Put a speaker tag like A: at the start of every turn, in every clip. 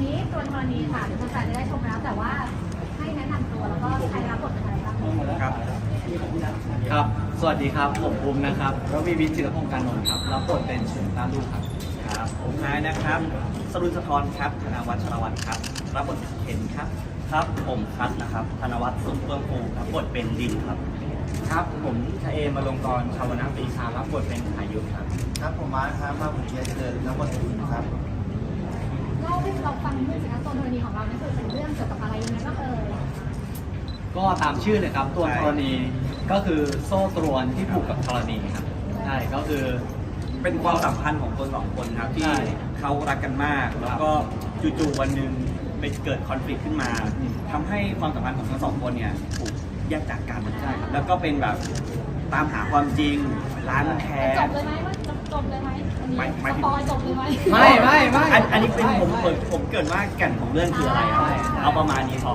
A: นี้ตัวธรณีค่ะเดี๋ยวแฟนๆจะได้ชมแล้วแต่ว่าให้แนะนำตัวแล้วก็ใครรับบทเป็นอะไรบ้าง
B: ครับ
C: ครับ สวัสดีครับ ผมภูมินะครับรวีวิทย์จิรพงศ์การนนท์ครับรับบทเป็นเฉินต้าลูกครับ
B: ครับผมนายนะครับสรุนสะทรครับธนวัฒน์ชลวัฒน์ครับรับบทเป็นเคนครับครับผมคัทนะครับธนวัฒน์สุขเฟื่องฟูรับบทเป็นดินครับ
D: ครับผมชเอมาลงกรชาวนาปรีชารับบทเป็นอายุครับ
E: ครับผมมาร์คครับมาผมเกียรติเจริญรับบทเป็นคุณครับ
A: เล่าให้เราฟังนิดนึงสิคะตัวธรณีของเรานี่คือเป็นเรื่องเกี่ยวกับอะไรยังไงบ้าง
C: ก็ตามชื่อเลยครับ ตัวธรณีก็คือโซ่ตรวนที่ผูกกับธรณีครับใช่ก็คือ
B: เป็นความสัมพันธ์ของคนสองคนครับที่เขารักกันมาก แล้วก็จู่ๆวันหนึ่งไปเกิดคอนฟ lict ขึ้นมาทำให้ความสัมพันธ์ของทั้งสองคนเนี่ยถูกแยกจากกันใช่แล้วก็เป็นแบบตามหาความจริงล้างแค้น
A: จบเลยไหมว่าจบเลยไหม
B: ไม่
A: สปอยจบเลยไหม
C: ไม่
B: อันนี้เป็นผมเกิดว่าแก่นของเรื่องคืออะไรครับเอาประมาณนี้พอ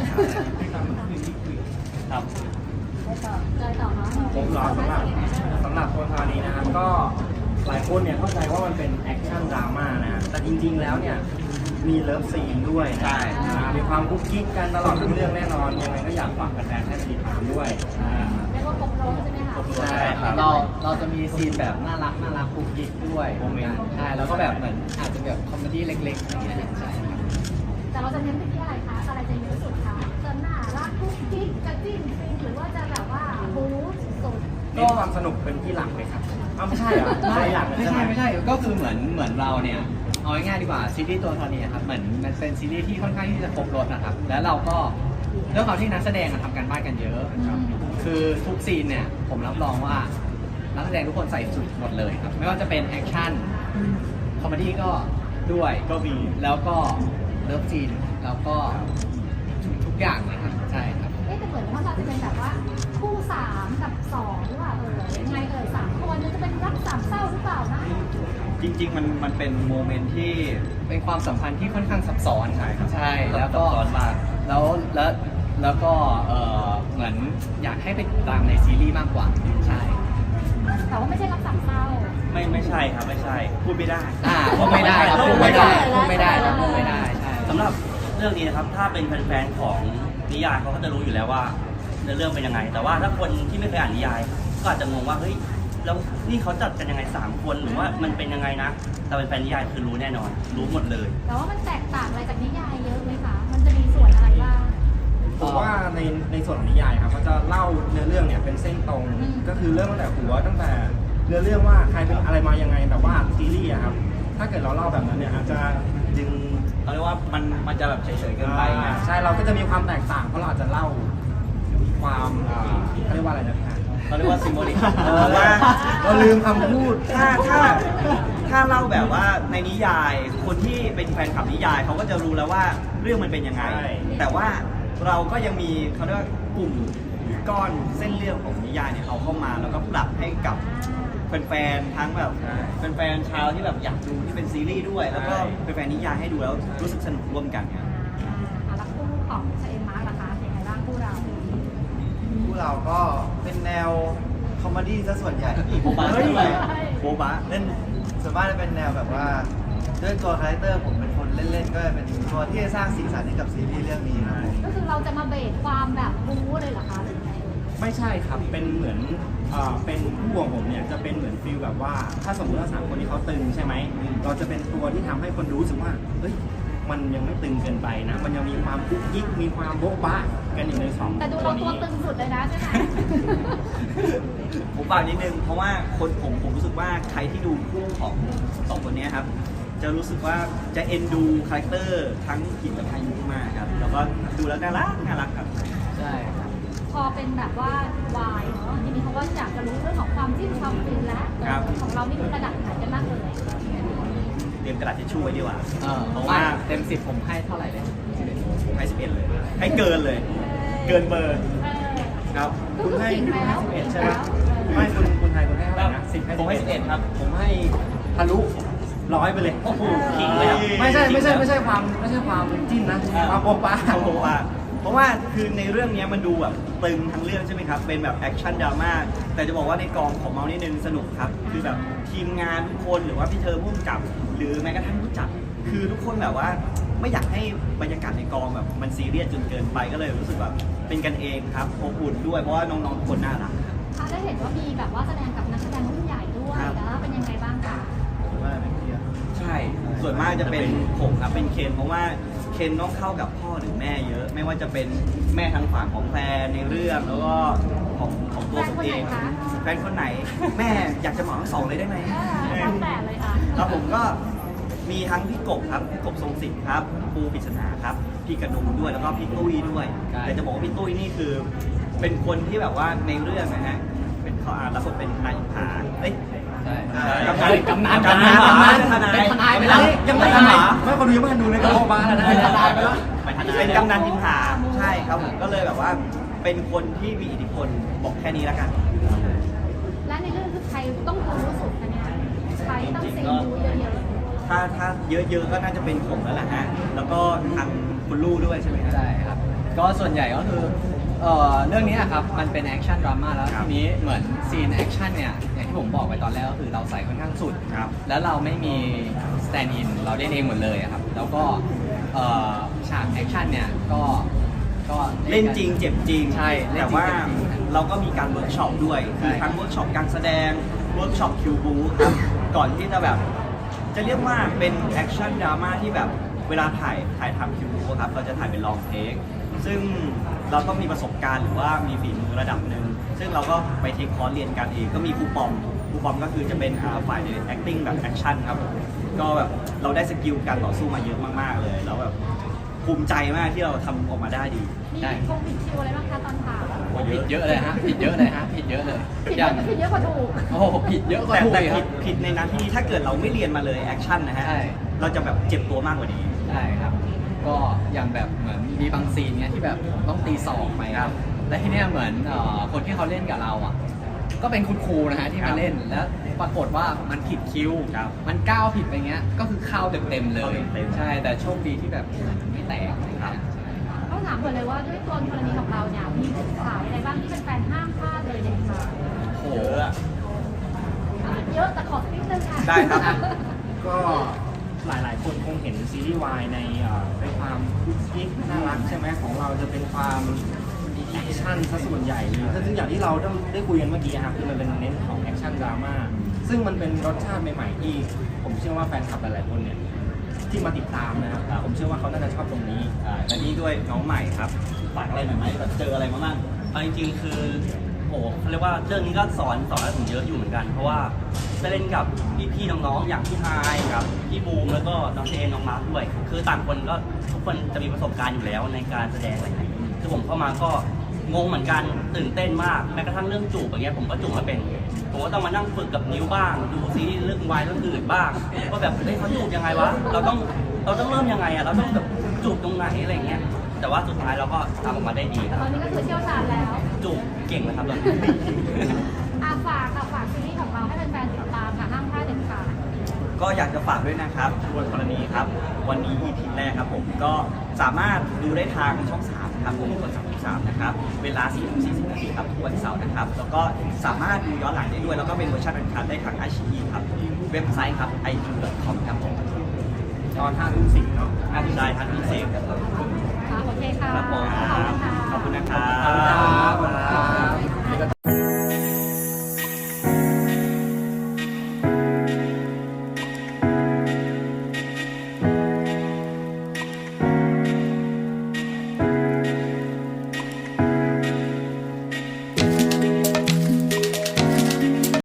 B: ครับ
A: เลยต่อเนาะ
D: ผมรอสำหรับตัวทานี้นะครับก็หลายคนเนี่ยเข้าใจว่ามันเป็นแอคชั่นดราม่านะแต่จริงๆแล้วเนี่ยมีเลิฟซีนด้วยนะ
B: ใช่
D: มีความกุ๊กกิ๊กกันตลอดทั้งเรื่องแน่นอนยังไงก็อยากฝากแฟนๆให้ไปติดตามด้วย
A: เรียกว่าครบรถใช่ไหมคะ
C: ใช่ครับเราจะมีซีนแบบน่ารักกุ๊กกิ๊กด้วยโมเมนต์ใช่แล้วก็แบบเหมือนอาจจะแบบคอมเมดี้เล็กๆอย่างเงี้ยใช่ครับ
A: แต่เราจะเน้นไปที่อะไรคะอะไรจะเยอะสุดคะจะน่ารักกุ๊กกิ๊กจะจิ้นฟินหรือว่าจะแบบว่าบู๊สุด
D: ก็ความสนุกเป็นที่หลักเลยครับอ้าวไม่ใช่เหรอหลักเลย
C: ไม่
D: ใช่ไหม
C: ใช่ก็คือเหมือนเราเนี่ยเอาง่ายๆดีกว่าซีรีส์ตัวธรณีครับเหมือนมันเป็นซีรีส์ที่ค่อนข้างที่จะครบรสนะครับแล้วเราก็ด้วยความที่นักแสดงทำกันบ้านกันเยอะครับคือทุกซีนเนี่ยผมรับรองว่านักแสดงทุกคนใส่สุดหมดเลยครับไม่ว่าจะเป็นแอคชั่นคอมเมดี้ก็ด้วยก็มีแล้วก็เลิฟซีนแล้วก็ทุกอย่างเลยครับใช่ครับ
A: แต่เหมือนว่าเราจะเป็นแบบว่าคู่3กับ2หรือเปล่ายังไง3คนจะเป็นรัก3เศร้าหรือเปล่านะ
B: จริงๆมันเป็นโมเมนต์ที่
C: เป็นความสัมพันธ์ที่ค่อนข้างซับซ้อน
B: ใช่ครับ
C: ใช่แล้วก็
B: ซับซ้อนมาก
C: แล้วก็เหมือนอยากให้ไปติดตามในซีรีส์มากกว่าใช่
A: แต่ว่าไม่ใช่รัก3เศร้า
B: ไม่ใช่ครับไม่ใช่พูดไม่ได้
C: พูดไม่ได้ครับพูดไม่ได้พูดไม่ได้ครับพูดไม่ได้ใช่
B: สำหรับเรื่องนี้นะครับถ้าเป็นแฟนๆของนิยายเขาก็จะรู้อยู่แล้วว่าเนื้อเรื่องเป็นยังไง แต่ว่าถ้าคนที่ไม่เคยอ่านนิยายก็อาจจะงงว่าเฮ้ยแล้วนี่เขาจัดกันยังไง3คนหรือว่ามันเป็นยังไงนะแต่เป็นแฟนนิยายคือรู้แน่นอน รู้หมดเลย
A: แต่ว่ามันแตกต่างอะไรจากนิยายเยอะไหมคะ มันจะมีส่วนอะไรบ้าง
D: ผมว่าในส่วนของนิยายครับเขาจะเล่าเนื้อเรื่องเนี่ยเป็นเส้นตรง ก็คือเริ่มตั้งแต่หัวตั้งแต่เนื้อเรื่องว่าใครเป็นอะไรมายังไงแต่ว่าซีรีส์อะครับถ้าเกิดเราเล่าแบบนั้นเนี่ยอาจจะดึง
B: เขาเรียกว่ามันจะแบบเฉยๆเกินไปไง
D: ใช่เราก็จะมีความแตกต่างเพราะเราอาจจะเล่าความเขาเรียกว่าอะไรนะพี่
B: เขาเรียกว่าซิมโบลิก
D: ว่าเราลืมคำพูด
B: ถ้าเล่าแบบว่าในนิยายคนที่เป็นแฟนคลับนิยายเขาก็จะรู้แล้วว่าเรื่องมันเป็นยังไง
D: ใช่
B: แต่ว่าเราก็ยังมีเขาเรียกว่ากลุ่มก้อนเส้นเรื่องของนิยายเนี่ยเอาเข้ามาแล้วก็ปรับให้กับแฟนๆทั้งแบบแฟนๆชาวที่แบบอยากดูที่เป็นซีรีส์ด้วย แล้วก็แฟนๆนิยายให้ดูแล้วรู้สึกสนุกร่วมกันเนี่ย
A: แล้วคู่ของชาเอมมาร์กล่ะคะยังไงบ้างคู่เรา
E: ผู้เราก็เป็นแนวคอมเมดี้ซะส่วนใหญ่
B: โบบะด้วยโบบะ
E: เล่นส่วนมากจะเป็นแนวแบบว่าด้วยตัวคาแรคเตอร์ผมเป็นคนเล่นๆก็เป็นตัวที่จะสร้างสีสันให้กับซีรีส์เรื่องนี้ครับ
A: ก็คือเราจะมาเบรกความแบบบู๊เลยเหรอคะหรือไง
D: ไม่ใช่ครับเป็นเหมือนเป็นผู้ของผมเนี่ยจะเป็นเหมือนฟีลแบบว่าถ้าสมมติว่า3คนที่เขาตึงใช่ไหมเราจะเป็นตัวที่ทำให้คนรู้สึกว่าเฮ้ยมันยังไม่ตึงเกินไปนะมันยังมีความกุ๊กกิ๊กมีความโบ๊ะบ้ากันอยู่ในสอง
A: แต่ดู
D: ตั
A: เรา
D: ว
A: ตัว
D: นี้
A: ตึงสุดเลยนะใช่ไหม
B: ผมฝากนิดนึงเพราะว่าผมรู้สึกว่าใครที่ดูคู่ของสองคนนี้ครับจะรู้สึกว่าจะเอ็นดูคาแรคเตอร์ทั้งกิจกับพายุมากครับแล้วก็ดูแล้วน่ารักครับ
C: ใช่ครับ
A: พอเป็นแบบว่าวายเนาะทีนี้เขาก็อยากจะรู้เรื่องของความจิ้นความฟินแล้วของเรานี่คือระดับไหนกันบ้างเลย
B: เตรียมกระดาษทิชชู่ไว้ดีกว่า
C: เพราะว่าเต็ม10ผมให้เท่าไหร่เลย
B: ผมให้11เลยให้เกินเลย เกินเบอร์ครับ
D: คุณให้11ใช่ไหมไม่คุณไทยคุณให้เท่าไหร่นะ10ให้
B: ผมให้11ครับ
D: ผมให้ทะลุ100ไปเลย
B: โอ้โหขิงเลยครับ
D: ไม่ใช่ความจิ้นนะความโป๊ะปะ
B: โอ้โหเพราะว่าคือในเรื่องนี้มันดูแบบตึงทั้งเรื่องใช่ไหมครับเป็นแบบแอคชั่นดราม่าแต่จะบอกว่าในกองของเมาส์นิดนึงสนุกครับคือแบบทีมงานทุกคนหรือว่าพี่เธอผู้กำกับ หรือแม้กระทั่งผู้จัดคือทุกคนแบบว่าไม่อยากให้บรรยากาศในกองแบบมันซีเรียสจนเกินไปก็เลยรู้สึกแบบเป็นกันเองครับอบอุ่นด้วยเพราะว่าน้องๆทุกคนน่ารัก
A: ค่ะได้เห็นว่ามีแบบว่าแสดงกับนักแสดงรุ่นใหญ่ด้วย
B: ครับ
A: แล้วเป็นยังไงบ้างคะ
E: ผมว่าเป็นเที่ยว
B: ใช่ ส่วนมากจะเป็นผมครับเป็นเคนเพราะว่าเคนต้องเข้ากับพ่อหรือแม่เยอะ ไม่ว่าจะเป็นแม่ทางฝั่งของแฟนในเรื่องแล้วก็ของตัวผมเองแฟนคนไหนแม่อยากจะเหมาทั้งสองเลยได้ไหม
A: ตั้งแต่เลยค่ะ
B: แล้วผมก็มีทั้งพี่กบครับพี่กบทรงศิษย์ครับปูปริศนาครับพี่กระดุมด้วยแล้วก็พี่ตุ้ยด้วย
C: ใช่
B: แต่จะบอกว่าพี่ตุ้ยนี่คือเป็นคนที่แบบว่าในเรื่องนะฮะเป็นเขารับบทเป็นนายอินทาเอ้ย
C: ใช่
B: กำนัน
C: กำนันเป็นทนายไปแล้ว
D: ยังไม่ทันไม่คนดูยังไม่ทันดูเลยก็โอ้บ้าแล้วนะ
C: เป็นทนายไปแล้ว
B: เป็นกำนันอินทาใช่ครับผมก็เลยแบบว่าเป็นคนที่มีอิทธิพลบอกแค่นี้แล้วกัน
A: และในเรื่องคือใครต้องรู้สุดคะเนี่ยใครต้องเซ็งดูเยอะ
B: ถ้าเยอะๆก็น่าจะเป็นผมแล้วแหละฮะแล้วก็ทางคุณลู่ด้วยใช่ไหมฮะ
C: ใช่ครับ ก็ส่วนใหญ่ก็คือเรื่องนี้อะครับมันเป็นแอคชั่นดราม่าแล้ว
B: ครับ
C: ทีนี้เหมือนซีนแอคชั่นเนี่ยอย่างที่ผมบอกไปตอนแรกก็คือเราใส่ค่อนข้างสุด
B: ครับ
C: แล้วเราไม่มีสแตนด์อินเราเล่นเองหมดเลยอะครับแล้วก็ฉากแอคชั่นเนี่ยก็
B: เล่นจริงเจ็บจริง
C: ใช่เล่นจริง
B: แต่ว่า
C: เจ็บจริง
B: เราก็มีการเวิร์กช็อปด้วย
C: ใช่
B: คือทั้งเวิร์กช็อปการแสดงเวิร์กช็อปคิวบูครับก่อนที่จะแบบจะเรียกว่าเป็นแอคชั่นดราม่าที่แบบเวลาถ่ายทำคิวบูครับเราจะถ่ายเป็นลองเทคซึ่งเราต้องมีประสบการณ์หรือว่ามีฝีมือระดับหนึ่งซึ่งเราก็ไปเทคคอร์สเรียนกันเองก็มีครูปอมก็คือจะเป็นฝ่ายใน acting แบบแอคชั่นครับผมก็แบบเราได้สกิลการต่อสู้มาเยอะมากๆเลยแล้วแบบภูมิใจมากที่เราทำออกมาได้ดี
A: ๆมีคงผิดคิวอะไรบ้างคะตอนถ่าย
C: ผิดเยอะเลยฮะผิดเยอะเลยฮะผิดเยอะเลย
A: ผิด
C: อ
A: เย
C: ย่า
A: อะ
C: ง
A: ผิดเยอะกว่าถูก
C: โอ้โหผิดเยอะกว่า
B: แต่
C: ถูก
B: แต่
C: อีกค
B: ผิ
C: รั
B: ด
C: บ
B: ผิดในนั้นที่ถ้าเกิดเราไม่เรียนมาเลยแอคชั่นนะฮะ
C: ใช่
B: เราจะแบบเจ็บตัวมากกว่านี้
C: ใช่ครับ ก็อย่างแบบเหมือนมีบางซีนเนี้ยที่แบบต้องตีศอกไป
B: ครับ
C: และที่เนี้ยเหมือนคนที่เขาเล่นกับเราอ่ะ ก็เป็นคุณครูนะฮะที่
B: ครั
C: มา
B: บ
C: เล่นแล้วปรากฏว่ามันผิดคิว
B: ครับ
C: มันก้าวผิดไปเงี้ยก็คือเข้าเต็มๆเลย
B: เข้าเต็มๆ
C: ใช่แต่โชคดีที่แบบไม่แตกอะไรเงี้ย
A: ต้องถามก่อนเลยว่าด้วยตัวกรณีของเราเนี่ยมีจุดขายอะไรบ้างที่เป็นแฟนห้ามพลาดเลยเด็ดขาด
C: โอ้
B: เย
C: โห
B: อะอะ
A: เยอะแต่ขอสักนิดนึงค่ะ
B: ได้ครับ
D: ก็หลายๆคนคงเห็นซีรีส์วายในเป็นความคุกกิ๊กน่ารักใช่ไหมของเราจะเป็นความแอคชั่นซะส่วนใหญ่เลยซึ่งอย่างที่เราได้คุยกันเมื่อกี้ครับคือมันเป็นเน้นของแอคชั่นดราม่าซึ่งมันเป็นรสชาติใหม่ๆที่ผมเชื่อว่าแฟนคลับหลายๆคนเนี่ยที่มาติดตามนะครับผมเชื่อว่าเขาน่าจะชอบตรงนี้
B: และนี่ด้วยน้องใหม่ครับฝากอะไรหน่อยไหมแบบเจออะไรมาบ้าง
F: เอาจริงๆคือโหเขาเรียกว่าเรื่องนี้ก็สอนอะไรผมเยอะอยู่เหมือนกัน เพราะว่าได้เล่นกับพี่ๆน้องๆอย่างพี่ไฮายครับพี่บูมแล้วก็น้องเจนน้องมาร์คด้วย คือต่างคนก็ทุกคนจะมีประสบการณ์อยู่แล้วในการแสดงอะไรอย่างเงี้ยคือผมเข้ามาก็งงเหมือนกันตื่นเต้นมากแม้กระทั่งเรื่องจูบอย่างเงี้ยผมก็จูบไม่เป็นผมก็ต้องมานั่งฝึกกับนิ้วบ้าง ดูซีรีส์เรื่องวายเรื่องอื่นบ้างว่าแบบเฮ้ยเขาจูบยังไงวะเราต้องเริ่มยังไงอะเราต้องแบบจูบตรงไหนอะไรอย่างเงี้ยแต่ว่าสุดท้ายเราก็ทำออกมาได้ดีครับ
A: ตอนนี้ก็คือเชี่ยวชาญแล้ว
F: จูบเก่งนะครับตอนนี้
A: ฝากซีรีส์ของเราให้แฟนๆติดตามค่ะห้ามพลาดเด็ดขาด
B: ก็อยากจะฝากด้วยนะครับทวนกรณีครับ วันนี้ EP แรกครับผมก็สามารถดูได้ทางช่อง 3 ครับผมกด33นะครับ เวลา 4:40 นาทีครับทุกวันเสาร์นะครับ แล้วก็สามารถดูย้อนหลังได้ด้วย แล้วก็เป็นเวอร์ชันอันคัดได้ทาง iQIYI ครับ เว็บไซต์ครับ iq.com ครับผม
D: ตอน5 ทุ่ม 10เนาะ
B: 5 ทุ่ม